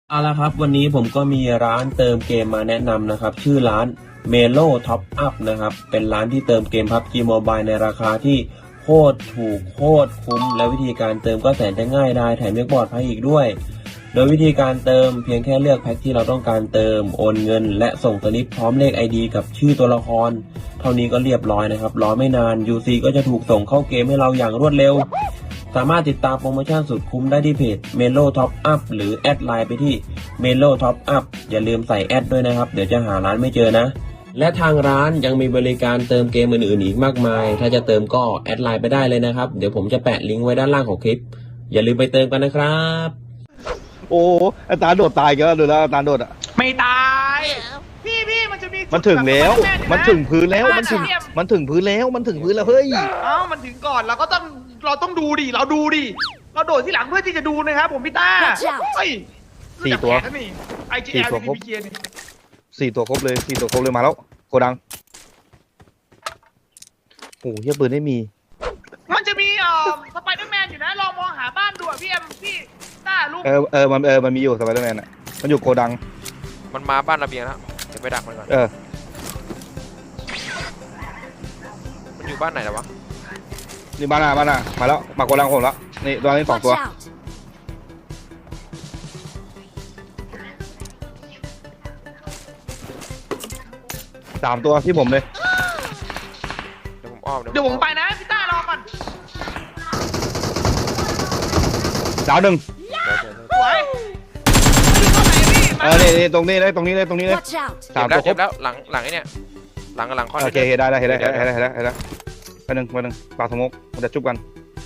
เอาละครับวันนี้ผมก็มีร้านเติมเกมมาแนะนำนะครับชื่อร้าน Melo Top Up นะครับเป็นร้านที่เติมเกม PUBG Mobile ในราคาที่โคตรถูกโคตรคุ้มและวิธีการเติมก็แสนจะง่ายได้แถมยังปลอดภัยอีกด้วยโดยวิธีการเติมเพียงแค่เลือกแพ็คที่เราต้องการเติมโอนเงินและส่งสลิปพร้อมเลข ID กับชื่อตัวละครเท่านี้ก็เรียบร้อยนะครับรอไม่นาน UC ก็จะถูกส่งเข้าเกมให้เราอย่างรวดเร็วสามารถติดตามโปรโมชั่นสุดคุ้มได้ที่เพจ Melo Top Up หรือแอดไลน์ไปที่ Melo Top Up อย่าลืมใส่แอดด้วยนะครับเดี๋ยวจะหาร้านไม่เจอนะและทางร้านยังมีบริการเติมเกมอื่นๆอีกมากมายถ้าจะเติมก็แอดไลน์ไปได้เลยนะครับเดี๋ยวผมจะแปะลิงก์ไว้ด้านล่างของคลิปอย่าลืมไปเติมกันนะครับโอ้อาจารย์โดดตายกันแล้วดูแล้วอาจารย์โดดอ่ะไม่ตายพี่มันจะมีมันถึงแล้วมันถึงพื้นแล้วมันถึงเมันถึงพื้นแล้วมันถึงพื้นแล้วเฮ้ยอ้ามันถึงก่อนเราต้องดูดิเราดูดิเราโดดที่หลังเพื่อที่จะดูนะครับผมพี่ต้าเฮ้ยสี่ตัวนี่ IGL สี่ตัวครบ PPK นี่ 4 ตัวครบเลย4 ตัวครบเลยมาแล้วโกดังโอ้เฮียปืนไม่มีมันจะมีสไปเดอร์แมนอยู่นะลองมองหาบ้านดูพี่เอ็มพี่ต้าลูกมันมีอยู่สไปเดอร์แมนอ่ะมันอยู่โกดังมันมาบ้านระเบียงแล้วเดี๋ยวไปดักมันก่อนมันอยู่บ้านไหนแล้ววะนี่บ้านมาแล้วมาโกดังผมแล้วนี่ตอนนี้2 ตัว3 ตัวที่ผมเลยเดี๋ยวผมอ้อมเดี๋ยวผมไปนะพี่ต้ารอก่อนดาวหนึ่งสวยนี่ตรงนี้เลย3 ตัวครเจ็บบแล้วหลังไอ้เนี่ยหลังคอนโอเคได้เห็นแล้วไปหนึ่งปากสมกมันจะจุบกัน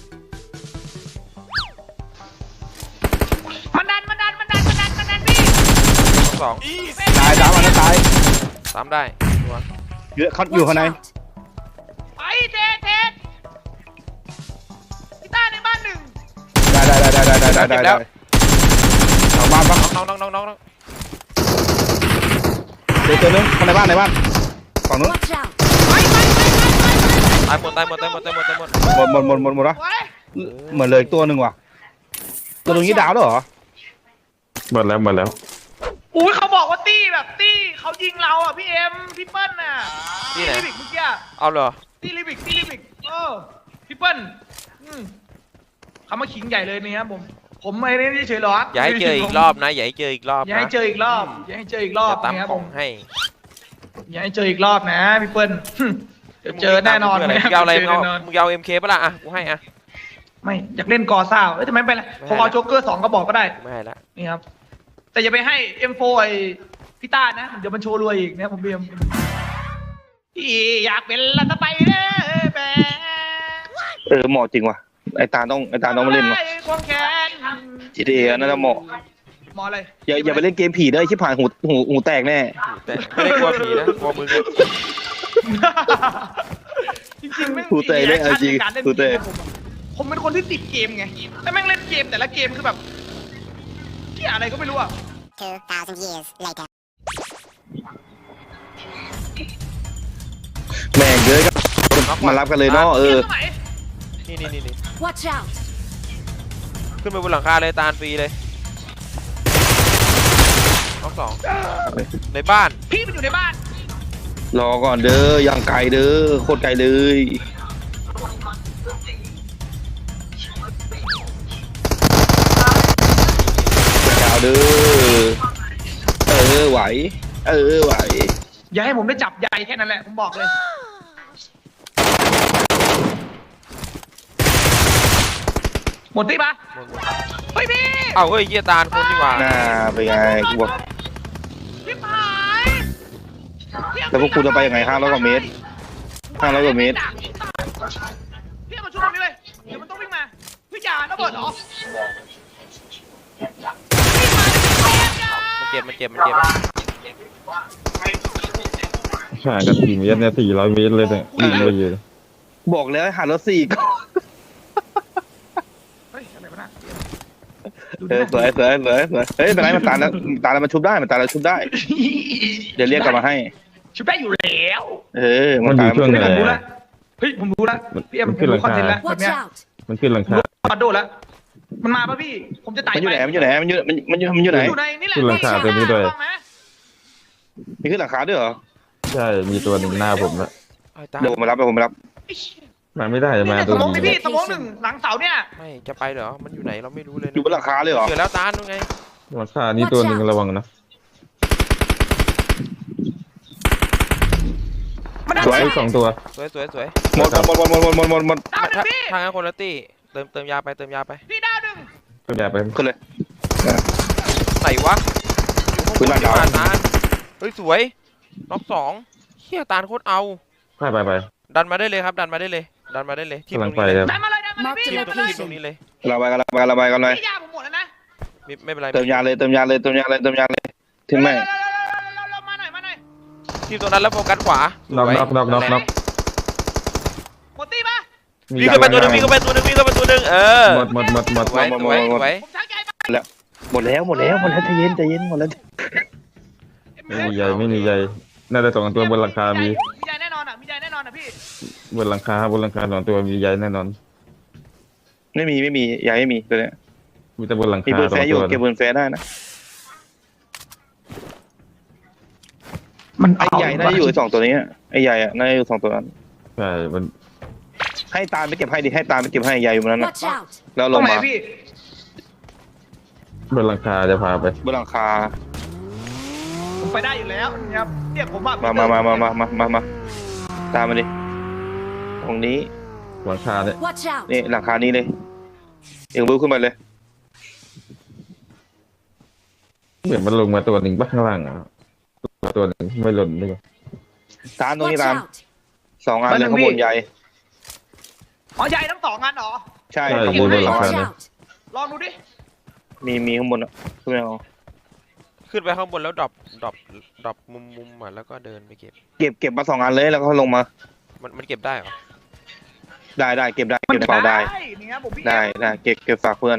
มันดันพี่สองตาย3 อันนั้นตายสามได้ตัวเยอะเขาอยู่ข้างในไปเทพี่ต้าในบ้านหนึ่งได้เอาบ้านปะน้องเดี๋ยวตัวนึงในบ้านฝั่งนู้นตายหมดวะหมดเหมือนเลยตัวหนึ่งว่ะตัวตรงนี้ดาวแล้วเหรอหมดแล้วอุ้ยเขาบอกว่าตี้เขายิงเราอ่ะพี่เอ็มพี่เปิ้ลน่ะที่ไหนลิบิกเมื่อกี้เอาเหรอตี้ลิบิกพี่เปิ้ลเขามาขิงใหญ่เลยนี่ครับผมไม่ได้เฉยหรออย่าให้เจออีกรอบนะอย่าให้เจออีกรอบนะอย่าให้เจออีกรอบตามนะครับของให้อย่าให้เจออีกรอบนะพี่เปิ้ลเจอแน่นอนมึงเอาอะไรมึงเอา MK ปะล่ะอ่ะกูให้อ่ะไม่อยากเล่นกอซ่าทำไมไปล่ะผมเอาโจ๊กเกอร์2ก็บอกก็ได้ไม่ให้ละนี่ครับแต่อย่าไปให้ M4 ไอพี่ต้านะเดี๋ยวมันโชว์รวยอีกนะผมเบียมอยากเป็นรัฐไปเลยเหมาะจริงว่ะไอตาต้องมาเล่นว่ะ GTA น่าจะเหมาะอะไรอย่าไปเล่นเกมผีได้ชิบหายหูแตกแน่แต่ไม่ได้กลัวผีนะกลัวมึงจริงๆไม่หูแตกได้จริงหูแตกผมเป็นคนที่ติดเกมไงแต่แม่งเล่นเกมแต่ละเกมคือแบบเกี่ยอะไรก็ไม่รู้อ่ะ 2,000 years later แม่งเยอะก็มารับกันเลยเนาะนี่ขึ้นไปบนหลังคาเลยตาลฟรีเลยน้องสองในบ้านพี่มันอยู่ในบ้านรอก่อนเด้อยังไกลเด้อโคตรไกลเลยดาวเด้อไหวอย่าให้ผมได้จับใหญ่แค่นั้นแหละผมบอกเลยหมดที่ปะเฮ้ยพี่เฮ้ยเยี่ยตาลคนดีกว่าน่าไปไงกูบอกพี่หายแต่พวกกูจะไปยังไง500 กว่าเมตรพี่มาช่วยตรงนี้เลยเดี๋ยวมันต้องวิ่งมาพี่จ่าระเบิดเหรอมันเจ็บห่างกัน4 เมตรเนี่ย400 เมตรเลยเนี่ยวิ่งไปอยู่บอกแล้วหารถ4ก็สวยเฮ้ยเป็นไรมันตายแล้วมันชุบได้เดี๋ยวเรียกกลับมาให้ชุบได้อยู่แล้วมันอยู่ช่วงไหนเฮ้ยผมรู้แล้วพี่เอ็มผมรู้คอนเทนต์แล้วแบบเนี้ยมันขึ้นหลังคาปัดโดดแล้วมันมาป่ะพี่ผมจะไต่มันอยู่ไหนไปมันอยู่ไหนมันอยู่ไหนอยู่ในนี่แหละขึ้นหลังคาตัวนี้ด้วยต้องนะมีขึ้นหลังคาด้วยเหรอใช่มีตัวหนึ่งหน้าผมแล้วไอ้ตาลเดี๋ยวผมมารับเดี๋ยวผมมารับไอ้เหี้ยมาไม่ได้นี่มาเนี่ยตัสวมองนี้นี่พี่สมองหนึ่งหลังเสาเนี่ยไม่จะไปเหรอมันอยู่ไหนเราไม่รู้เลยอยู่บนหลังคาเลยเหรอเจอแล้วตาลนู่นไงหลังคานี่ตัวหนึ่งระวังนะมันได้สวยสองตัวสวยสวยสวยหมดหมดดาวหนึ่งถ้าพี่ถ้างั้นคนละตี้เติมยาไปเติมยาไปพี่ดาวหนึ่งตัวใหญ่ไปขึ้นเลยไหนวะอยู่ปืนหลัข้าง งบดาวนตาลเฮ้ยสวยน็อกสองเฮียตาลโคตรเอาไปดันมาได้เลยครับดันมาได้เลยดันมาได้เลยทีมกำตลัรง งไปนี้เลยครับดันมาเลยดันมาเลยพี่ทีมดันมาเลยตรงนี้เลยเราไปกันเลยพี่ยาผมหมดแล้วนะไม่เป็นไรเติมยาเลยถึงไหมเรามาหน่อยมาหน่อยทีมตรงนั้นแล้วโฟกัสขวาน็อกสวยน็อกหมดตีปะวิ่งขึ้นไปตัวหนึงวิ่งขึ้นไปตัวหนึงวิ่งขึ้นไปตัวหนึงหมดสวยสวยสวยผมชักใจไปหมดแล้วใจเย็นหมดแล้วไม่มีใหญ่น่าจะสองตัวบนหลังคามีใหญ่แน่นอนอ่ะมีใหญ่แน่นอนอ่ะพี่บนหลังคาสองตัวมีใหญ่แน่นอนไม่มียาไม่มีตัวเนี้ยมีแต่บนหลังมีคาปืนสอแฟงร์อยู่ตัวเก็บปืนแฟร์ได้นะมันไอ้ใหญ่น่าจะอยู่2ตัวนี้ไอ้ใหญ่อะน่าจะอยู่2ตัวนั้นใช่มันให้ตาลไปเก็บให้ดิให้ตาลไปเก็บให้ใหญ่อยู่บนนั้นนะ Watch out! แล้วตลรง งไหนมาพี่บนหลังคาจะพาไปบนหลังคาผมไปได้อยู่แล้วนะครับเนี่ยผมว่ามาตามมาดิตรงนี้หลังคาเนี่ย Watch out! นี่หลังคานี้เลยเอ็งรู้ขึ้นมาเลยเหมือนมันลงมาตัวหนึ่งบ้างข้างล่างอ่ะตัวหนึ่งไม่หล่นเลยตาลตรงนี้ Watch ตาล out! 2 อันเลยข้างบนใหญ่อ๋อใหญ่ทั้งสองงานเหรอใช่ใช่ข้างบบ นนหลัง 2 คาอัน Watch เนี่ย out! ลองดูดิมีข้างบนอ่ะขึ้นไปเอาขึ้นไปข้างบนแล้วดรอปมุมอ่ะแล้วก็เดินไปเก็บเก็บมา2 อันเลยแล้วก็ลงมามันเก็บได้เหรอได้เก็บในกระเป๋าได้เนี่ยผมพี่ได้เก็บฝากเพื่อน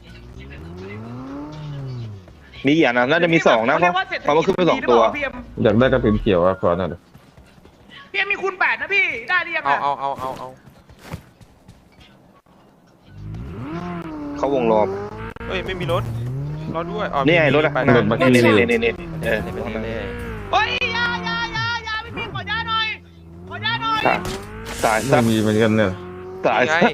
มีกี่อันนะน่าจะมี2นะเพราะว่าขึ้นไป2 ตัวพี่เอ็มอยากได้กระสุนเขียวอ่ะขอหน่อยดิพี่เอ็มมีคูณ8นะพี่ได้หรือยังเอาอ่ะเอาเขาวงรอบเฮ้ยไม่มีรถด้วยอ๋อนี่ไงรถอะไปรถมานี่เออเฮ้ยยาพี่ขอยาหน่อยตายไม่มีเหมือนกันเนี่ยตายไง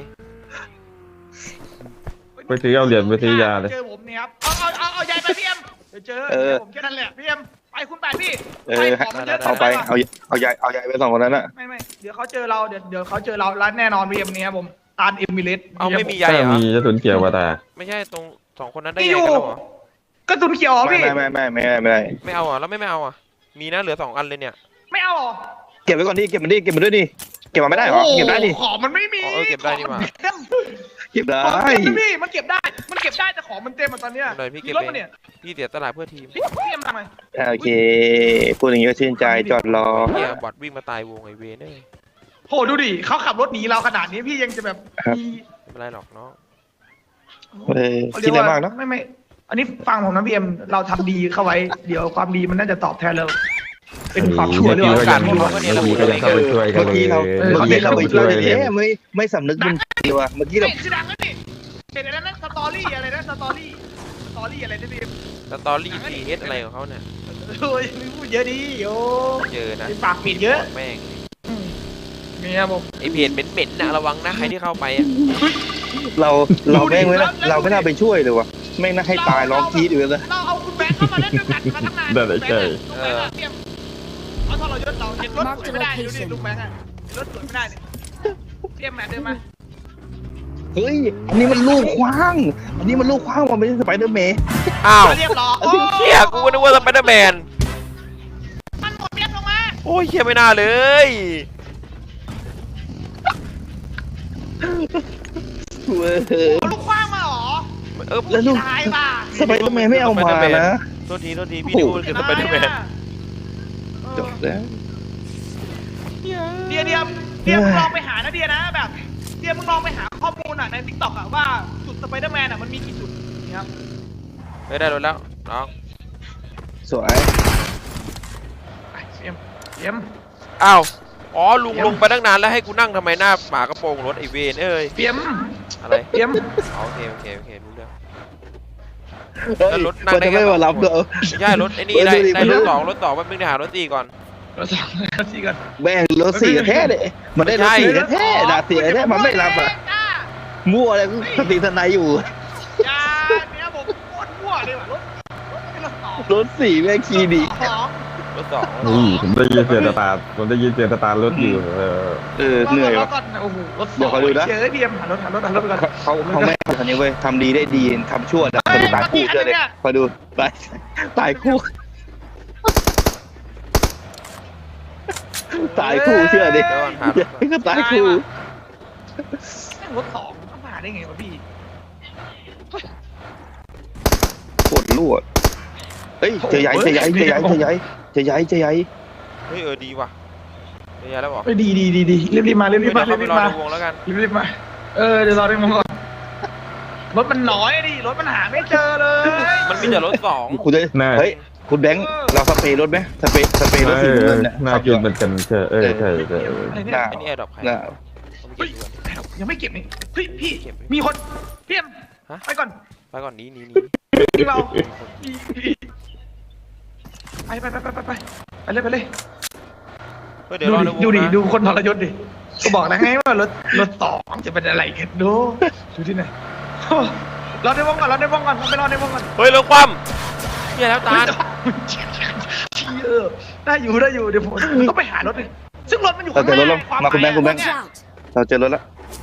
ไปซื้อเอาเหรียญไปซื้อยาเลยเจอผมเนี่ยครับเอาใหญ่ไปพี่เอ็มเดี๋ยวเจอผมแค่นั้นแหละพี่เอ็มไปคูณ8พี่ของมันเยอะเอาไปเอาใหญ่ไป2 คนนั้นอะไม่เดี๋ยวเขาเจอเราเดี๋ยวเขาเจอเราร้านแน่นอนพี่เอ็มเนี่ยผมตาลเอมิเลสเอาไม่มีใยถ้าเหรอมีกระสุนเขียวว่าตาไม่ใช่ตรง2 คนนั้นได้พี่ใยอยู่กันแล้วเหรอกระสุนเขียวเหรอพี่ไม่ได้ไม่เอาอ่ะแล้วไม่เอาอ่ะมีนะเหลือ2 อันเลยเนี่ยไม่เอาหรอเก็บไว้ก่อนดิเก็บมันด้วยดิเก็บมาไม่ได้หรอเก็บได้ดิของมันไม่มีเก็บได้นี่หว่าเก็บได้พี่มันเก็บได้แต่ของมันเต็มตอนเนี้ยเลยพี่เก็บรถเอมันเนี่ยงพี่เสียตลาดเพื่อทีมพี่เอ็มทำไมโอเคพูดอย่างนี้ก็ชื่นใจจอดรอเฮียบอดวิ่งมาตายวงไอเวเนอร์โหดูดิเขาขับรถหนีเราขนาดนี้พี่ยังจะแบบมีไม่เป็นไรหรอกเนาะคิดอะไรมากเนาะไม่อันนี้ฟังผมนะพี่เอ็มเราทำดีเข้าไว้เดี๋ยวความดีมันน่าจะตอบแทนเราเป็นความชั่วเมื่อเรื่อกี้งก็กายัรงเมื่อกี้ก็ยังเข้าไปช่วยกันเลยเมื่อกี้เราไปช่วยเลยไม่สำนึกบุญคุณว่ะเมื่อกี้เราชื่อดังนั่นนี่เห็นอะไรนั่นสตอรี่อะไรนะสตอรี่อะไรนะพี่เอ็มสตอรี่ทีเอสอะไรของเขาเนี่ยโอ้ยพูดเยอะดีโอ้เจอนะปากปิดเยอะแม่งเนี่ยผมไอเพจเหม็นๆนะระวังนะใครที่เข้าไปอ่ะเราแม่งเราไม่น่าไปช่วยเลยว่ะแม่งน่าให้ตายร้องกรี๊ดอยู่เลยเราเอาคุณแบงค์เข้ามาเล่นด้วยกันมาตั้งนานได้ใช่เอาทรยศเราเห็นรถสวยไม่ได้ดูดิลุงแบงค์อะเห็นรถสวยไม่ได้เนี่ยเตรียมแมทเดินมาเฮ้ยอันนี้มันลูกคว้างมันไม่ใช่สไปเดอร์แมนอ้าวเรียบร้อยโอ้เฮียกูนึกว่าสไปเดอร์แมนมันหมดเรียบลงมาโอ้ยเฮียไม่น่าเลยลูกคว้างมาหรอแล้วลูกตายป่ะสไปเดอร์แมนไม่เอามานะโทษทีพี่นึกว่าคือสไปเดอร์แมนจบแล้วเดียมึงลองไปหานะเดียนะแบบเดียมึงลองไปหาข้อมูลอ่ะในทิกตอกอ่ะว่าจุดสไปเดอร์แมนอ่ะมันมีกี่จุดนี่ครับไม่ได้รถแล้วน้องสวยเตรียมอ้าวอ๋อลุงลงไปตั้งนานแล้วให้กูนั่งทำไมหน้าหมากระโปรงรถไอเวนเอ้ยเตรียมอะไรเอ็มอ๋อโอเคโอเคโอเครู้เรื่องเฮ้ยแล้วรถนั่งมันได้จะไงไม่มารับเด้อใช่รถไอ้นี่เออได้ดูดิได้มันรดูถสองรถสองมันเพิ่งหารถสี่ก่อนรถสองรถสี่กันแม่งรถสี่แท้เลยมันได้รถสี่แท้ด่าเสียแท้มันไม่รับอ่ะมั่วอะไรสติทนายอยู่ยาเนี่ยผมโคตรมั่วเลยว่ะรถสองรถสี่แม่งขี่ดีสองรถสองอุ้ยผมได้ยินเสียงสตาร์ทผมได้ยินเสียงสตาร์ทรถอยู่เหนื่อยรว่ะถก่อนโอ้โหรถสองเดี๋ยวขอดูนะเจอพี่เอ็มหารถไปก่อนเขาไม่ทำนี้เว้ยทำดีได้ดีทำชั่วนะตายคู่เจอเลยคอยดูตายคู่ตายคู่เชื่อดิเดี๋ยวก่อนหารถก่อนก็ตายคู่แม่งรถสองเข้ามาได้ไงวะพี่ปวดรั่วเฮ้ยเจอใหญ่เฮ้ยดีว่ะเดียวแล้วบอกดีรีบมาเดี๋ยวเราไปรอในวงแล้วกันรีบมาเดี๋ยวรอได้มงก่อนรถมันน้อยดิรถมันหาไม่เจอเลยมันมีแต่รถสองคุณจะเฮ้ยคุณแบงค์เราสเปรย์รถไหมสเปรย์รถสีน้ำเงินเนี่ยน่ากินเหมือนกันใช่ใช่น่าไอ้นี่แอร์ดรอปใครน่าผมเก็บดูก่อนยังไม่เก็บนี่เฮ้ยพี่มีคนพี่เอ็มฮะไปก่อนไปก่อนหนี้ยิงเราไปเลยเฮ้ยเดี๋ยวรอในวงดูดินะดูคนทรยศดิก็บอกแล้วไงว่ารถสองจะเป็นอะไรกันดูที่ไหนรอในวงก่อนไปรอในวงก่อนเฮ้ยรถคว่ำเนี่ยแล้วตาลได้อยู่เดี๋ยวผมต้องไปหารถดิซึ่งรถมันอยู่เราข้างเจอหรถน้าแล้วมาคุณแบงค์ Watch out! เราเจอรถแล้ว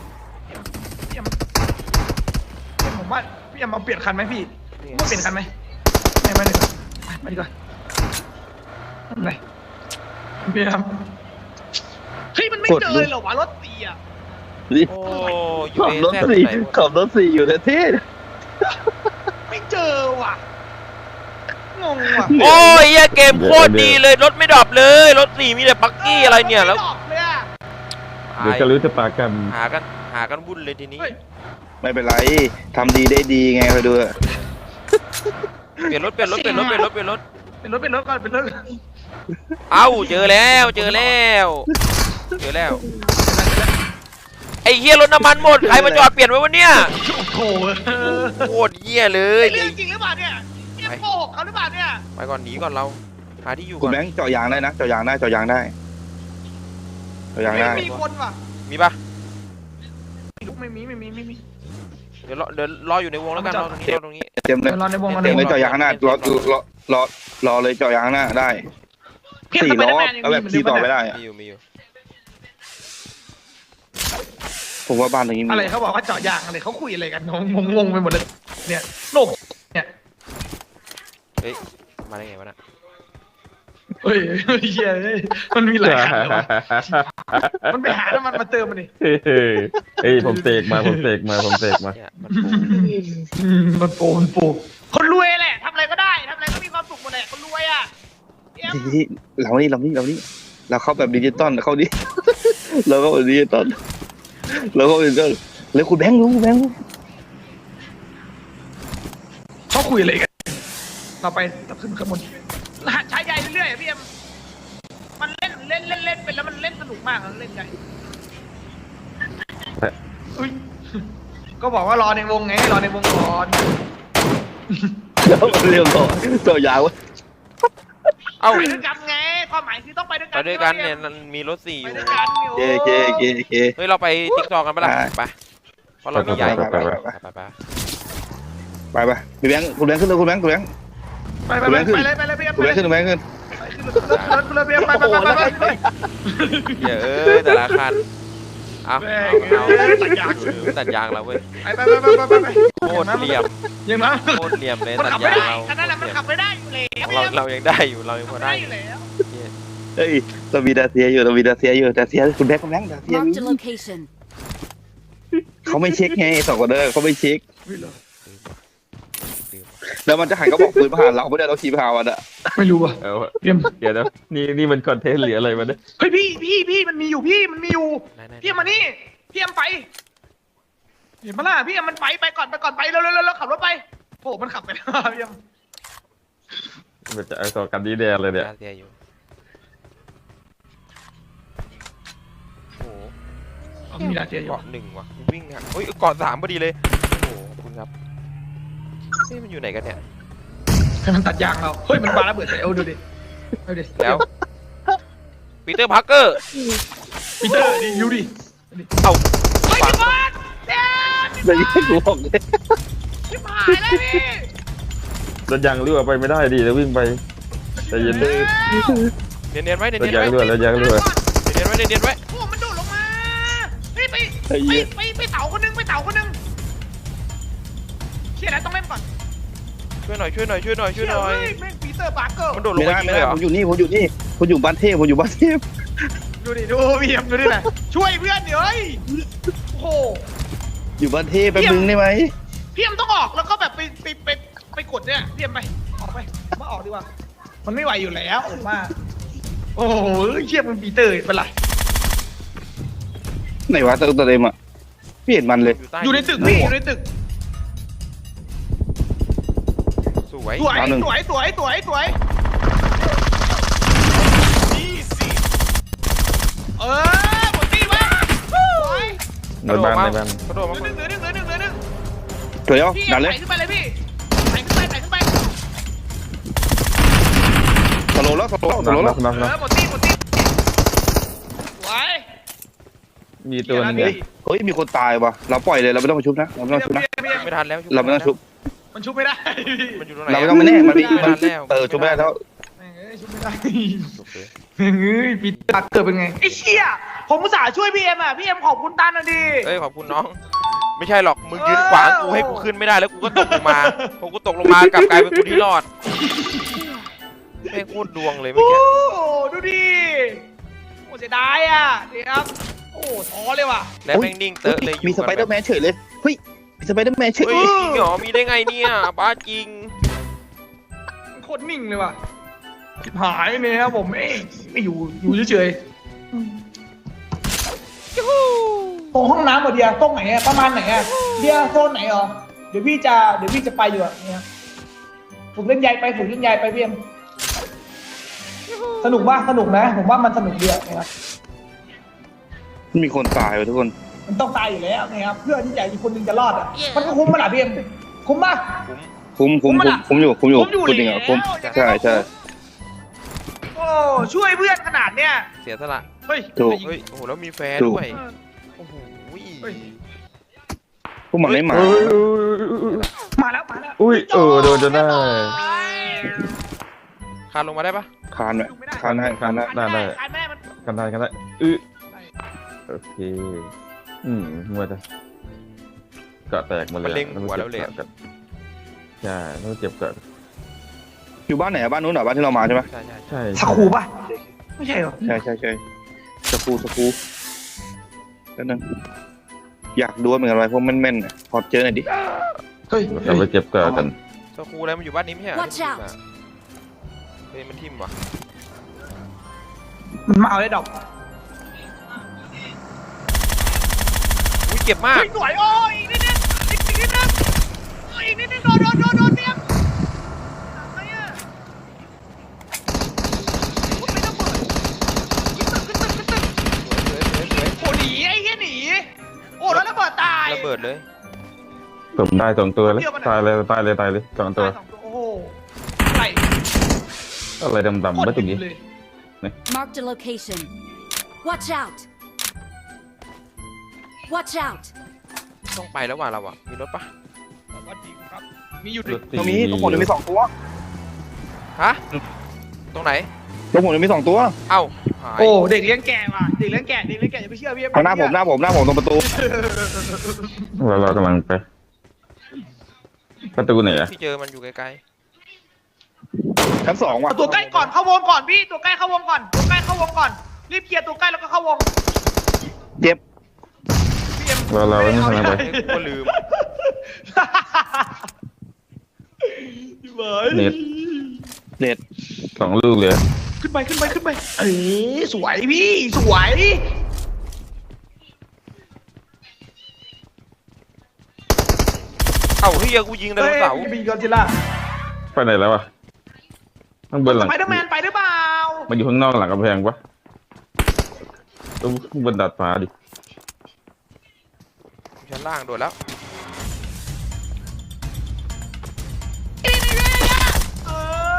ผมว่าพี่เอามาเปลี่ยนคันไหมพี่ว่าเปลี่ยนคันไหมไม่ดีกว่าไม่ดีกว่าอะไรพี่ครับเฮ้ยมันไม่เจอเลยเหรอวะรถตีอ่ะโอ้ยูขับเอรถแซ่บสี่ไหนขับรถสี่อยู่ในเท่ไม่เจอว่ะงงว่ะโอ้ยเหี้ยเกมโคตรดีเลยรถไม่ดรอปเลยรถสี่มีแต่ปักกี้อะไรเนี่ยแล้วไม่ดอกเลยอะเดี๋ยวจะรู้จะปากกันหากันวุ่นเลยทีนี้ไม่เป็นไรทำดีได้ดีไงคอยดูเปลี่ยนรถก่อนเป็นรถ เอ้าเจอแล้วไอ้เฮียรถน้ำมันหมดใครมาจอดเปลี่ยนไว้วะเนี่ยโอ้โหโคตรเฮียเลยเรื่องจริงหรือเปล่าเนี่ยโกหกเขาหรือเปล่าเนี่ยไปก่อนหนีก่อนเราหาที่อยู่คุก่ณอนแบงค์เจาะยางได้นะเจาะยางได้ไม่มีคนว่ะมีปะไม่มีเดี๋ยวรออยู่ในวงแล้วกันรอตรงนี้เต็มเลยรอในวงเต็มเลยเจาะยางข้างหน้ารอเลยเจาะยางข้างหน้าได้4 ล้อแล้วแบบขี่ต่อไปได้มีอยู่ผมว่าบ้านตรงนี้มีอะไรเขาบอกว่าเจาะยางอะไรเขาคุยอะไรกันงงไปหมดเลยเนี่ยโลกเนี่ยเฮ้ยมาได้ไงวะน่ะเฮ้ยเหี้ยมันมีหลายคันเลยวะมันไปหาแล้วมันมาเติมมันดิเฮ้ยผมเสกมาเนี่ยมันปูมันโปคนรวยแหละทำอะไรก็ได้ทำอะไรก็มีความสุขหมดแหละคนรวยอ่ะที่เราเราเข้าแบบดิจิตอลเข้าดิ เราเข้าแบบดิจิตอลแล้วคุณแบงค์รู้เขาคุยอะไรกันเราไปตับขึ้นข้างบนใช้ใหญ่เรื่อยๆพี่เอ็มมันเล่นไปแล้วมันเล่นสนุกมากเล่นใหญ่ก็บอกว่ารอในวงไงรอในวงก่อนแล้วเรียบร้อยเจาะยางวะเอ้าไปด้วยกันไงความหมายคือต้องไปด้วยไปกันด้วยกันเนี่ยมันมีรถสี่อไปยู่ด้วยกันเคเฮ้ยเราไปติ๊กตอกกันปะล่ะไปเพราะเรามีใหญ่ไป พี่แบงค์คุณแบงค์ขึ้นเลยคุณแบงค์ไปเลยพี่เอ็มคุณแบงค์ขึ้นไปเลยพี่เอ็มไปเหี้ยแต่ละคันเอาตัดยางเราเว้ยไปโคตรเหลี่ยมยังนะโคตรเหลี่ยมเลยมันตัดขับไม่ยางได้เราอันนั้นมันขับไม่ได้อยู่แล้วเรายังได้อยู่เรายังพอได้อยู่แล้วเฮ้ยเรามีดาเซียอยู่ดาเซียคุณแบงค์ดาเซีย Marked a location. เขาไม่เช็คไง2 คนเด้อเขาไม่เช็คแล้วมันจะหันก็บอกปืนมาหาเราไม่ได้เราขี่ไปหามันอะไม่รู้อ่ะเอาเตรียมเดี๋ยวนะนี่มันคอนเทนต์หรืออะไรมาเนี่ยเฮ้ยพี่มันมีอยู่พี่เอ็มมานี่พี่เอ็มไปเห็นปะล่ะพี่เอ็มมันไปก่อนไปเร็วขับรถไปโอ้มันขับไปแล้วพี่เอ็มมันจะเอาต่อกันดีแดงเลยเนี่ยเสียอยู่โอ้โหเอามีดาเจียอยู่เกาะหนึ่งว่ะวิ่งอ่ะเฮ้ยเกาะสามพอดีเลยโอ้โหขอบคุณครับเฮ้ยมันอยู่ไหนกันเนี่ยให้มันตัดยางเราเฮ้ยมันมาแล้วเบิดใส่เอาดูดิเอาดิแล้วปีเตอร์พาร์เกอร์ปีเตอร์ดิยูดิเอ้าเฮ้ยฝังพี่บอลเดี๋ยวแต่ยังไม่กูบอกเลยชิบหายแล้วพี่รถยางรั่วไปไม่ได้ดิแล้ววิ่งไปใจเย็นดิเนียนๆไว้เนียรถนๆยางไว้รั่วรถยางรั่วเนียนๆไว้เนียนๆไว้โอ้มันโดดลงมาเฮ้ยไปเต่าคนนึงไปเต่าคนนึงเชี่ยนะต้องเล่นก่อนช่วยหน่อยช่วยหน่อยช่วยหน่อยช่วยหน่อยเฮ้ยแม่งปีเตอร์ปาร์เกอร์มันโดดลงไม่มาได้ยิงไม่เลยได้เหรอผมอยู่นี่ผมอยู่นี่ผมอยู่บ้านเทพผมอยู่บ้านเทพดูดิดูพี่เอ็มดูดินะช่วยเพื่อนเดี๋ยวเฮ้ยโอ้โหอยู่บ้านเทพแป๊บนึงได้ไหมพี่เอ็มต้องออกแล้วก็แบบไปกดเนี่ยพี่เอ็มไปออกไปมาออกดีกว่ามันไม่ไหวอยู่แล้วผมว่าโอ้โหเชี่ยมันปีเตอร์เป็นไรไหนวะตัวเต็มอ่ะพี่เห็นมันเลยอยู่ใต้อยู่ในตึกพี่อยู่ในตึกสวยสวยสวยสวยสวยสวยเออหมดที่วะสวยในบ้านในบ้านกระโดดมาเหลือหนึ่งพี่เดี๋ยวดันเลยไต่ขึ้นไปเลยพี่ไต่ขึ้นไปสโลว์แล้วสโลว์น็อกแล้วน็อกเอน็อกอหมดที่สวยมีตัวหนึงเฮ้เลยยเฮ้ยมีคนตายวะเราปล่อยเลยเราไม่ต้องมาชุบนะเราไม่ต้องชุบนะไม่ทันแล้วเราไม่ต้องชุบมันชุบไม่ได้มันอยู่ตรงไหนเราไม่ต้องมาแน่มันมีไม่มันทันแล้วชุบไม่ได้แล้วชุบไม่ได้เฮ้ยปีตาเกิดเป็นไงไอ้เชี่ยผมอุตส่าห์ช่วยพี่เอ็มอ่ะพี่เอ็มขอบคุณตันนะดิเอ้ยขอบคุณน้อง ไม่ใช่หรอกมึงยืนขวางกูให้กูขึ้นไม่ได้แล้วกูก็ตกลงมาพอกูตกลงมากลับกลายเป็นกูที่รอดแม่งโคตรดวงเลยเมื่อโอ้กี้ดูดิโอ้เสียดายอ่ะเดี๋ยวโอ้ท้อเลยว่ะแล้วแม่งนิ่งเตอะเลยอยู่มีสไปเดอร์แมนเฉยเลยเฮ้ยมีสไปเดอร์แมนเฉยเฮ้ยจริงเหรอมีได้ไงเนี่ยบ้าจริงโคตรนิ่งเลยว่ะชิบหายเนี่ยครับผมไม่อยู่เฉยๆตรงห้องน้ำหมดเดียวตรงไหนอะประมาณไหนอะเดียวโซนไหนเหรอเดี๋ยวพี่จะไปอยู่อะเนี่ยฝึกเล่นใยไปพี่เอ็มสนุกมากสนุกนะผมว่ามันสนุกดีอะนะครับมีคนตายวะทุกคนมันต้องตายอยู่แล้วนะครับเพื่อที่จะอีกคนนึงจะรอดอะมันก็คุ้มมาล่ะพี่เอ็มคุ้มป่ะคุ้มอยู่คุ้มอยู่คุณจริงเหรอคุ้มแล้วใช่โอ้ช่วยเพื่อนขนาดเนี้ยเสียสละเฮ้ยถูกเฮ้ยโอ้โหแล้วมีแฟนถูกด้วยโอ้โหพวกมันไม่มาเอ้ยมาแล้วอุ้ยโดนจนได้คานลงมาได้ปะคานไหมคานได้ได้มันกันได้โอเคมัวจะเกาะแตกหมดเลยมันเล็งหัวแล้วเลยใช่แล้วเจ็บเกาะอยู่บ้านไหนบ้านนู้นเหรอบ้านที่เรามาใช่ไหมใช่ใช่ใช่สกูป่ะไม่ใช่เหรอใช่สกูแล้วนึงอยากดูเหมือนกันอะไรพวกแม่นๆพอเจอหน่อยดิเฮ้ยเราไปเจ็บเกาะกันสกูแล้วมันอยู่บ้านนี้ไม่ใช่เหรอ Watch out เฮ้ยมันทิ่มว่ะมันมาเอาได้ดอกอุ้ยเจ็บมากสวยโอ้อีกนิดนึงอีกนิดนึงโดนเตี้ยมอะไรอ่ะไม่ต้องเปิดขึ้นตึกสวยโอ้หนีไอ้เหี้ยหนีโอ้แล้วระเบิดตายระเบิดเลยผมได้2 ตัวเลยตายเลย2 ตัวตาย2 ตัวโอ้โหไหลอะไรดำๆไม่ตรงนี้เลย Marked a location. Watch out! Watch out! ต้องไปแล้วว่ะเราอ่ะมีรถปะวัดดีครับมีอยู่ดิตรงนี้ทุกคนมี2 ตัวฮะตรงไหนทุกคนมี2 ตัวเอ้าหายโอ้เด็กเลี้ยงแก่ว่ะเด็กเลี้ยงแก่อย่าไปเชื่อพี่หน้าผมตรงประตูเรากำลังไปประตูไหนอะที่เจอมันอยู่ไกลชั้น 2ว่ะตัวใกล้ก่อนเข้าวงก่อนพี่ตัวใกล้เข้าวงก่อนรีบเคลียร์ตัวใกล้แล้วก็เข้าวงเจ็บพี่เอ็มเราไม่ทำอะไรๆเฮ้ยกูก็ลืมเน็ต2 ลูกเลยขึ้นไปเอ้ยสวยพี่สวยเอ้าเฮียกูยิงไดโนเสาร์พี่กอจิล่าไปไหนแล้ววะข้างบนหลังสไปเดอร์แมนไปหรือเปล่ามันอยู่ข้างนอกหลังกำแพงปะต้องบนดาดฟ้าดิล่างโดดแล้วเอ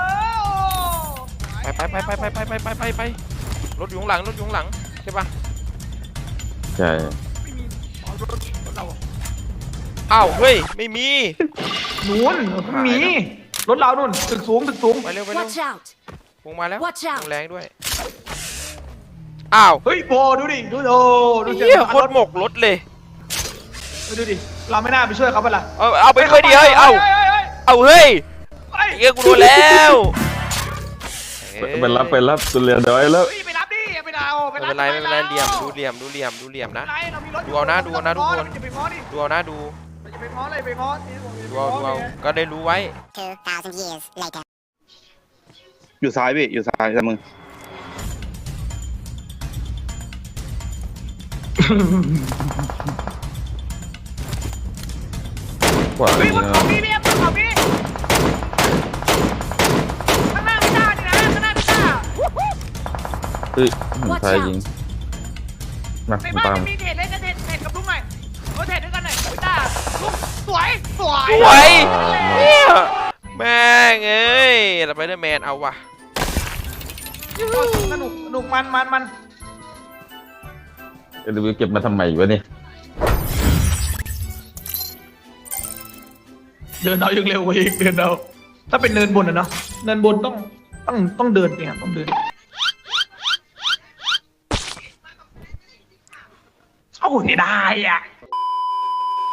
อไปรถอยู่ข้างหลังรถอยู่ข้างหลังใช่ปะใช่ไม่มีอ๋อรถเราอะอ้าวเฮ้ยไม่มีนู่นไม่มีรถเรานู่นตึกสูงไปเร็วไปเร็ว Watch out! วงมาแล้ว Watch out วงแรงด้วยอ้าวเฮ้ยโบดูดิดูโอ้ดูเฮียโคตรหมกรถเลยดูดิเราไม่น่าไปช่วยเขาปะล่ะเอาไปด้วยดิเฮ้ยเอาเฮ้ยเฮียกูโดนแล้วไปรับตุเรียนเดี๋ยวแล้วเฮ้ยไปรับดิไปเอาไม่เป็นไรไม่เป็นไรเหลี่ยมดูเหลี่ยมนะเรามีรถดูเอานะทุกคนจะไปง้อดิดูเอานะดูจะไปง้ออะไรไปง้อดูเอาก็ได้รู้ไว้ 2,000 years later. อยู่ซ้ายพี่อยู่ซ้ายซ้ายมือขวาเฮ้ยนี่บนนะเขาพี่เนี่ยบนเขาพี่ข้างหน้าไม่ได้ดินะข้างหน้าไม่ได้เฮ้ยใครยิงมาในบ้านตามมันมีเทรดเล่นกันเทรดกับลุงหน่อยเทรดด้วยกันหน่อยไม่ได้ลุงสวยสวยเนี่ยแม่งเอ้ยสไปเดอร์แมนเอาว่ะสนุกมันเก็บมาทำไมวะเนี่ยเดินเอายังเร็วกว่าอีกเดินเอาถ้าเป็นเนินบนอะเนาะเนินบนต้องเดินเนี่ยต้องเดินเอ้าเสียดายอ่ะ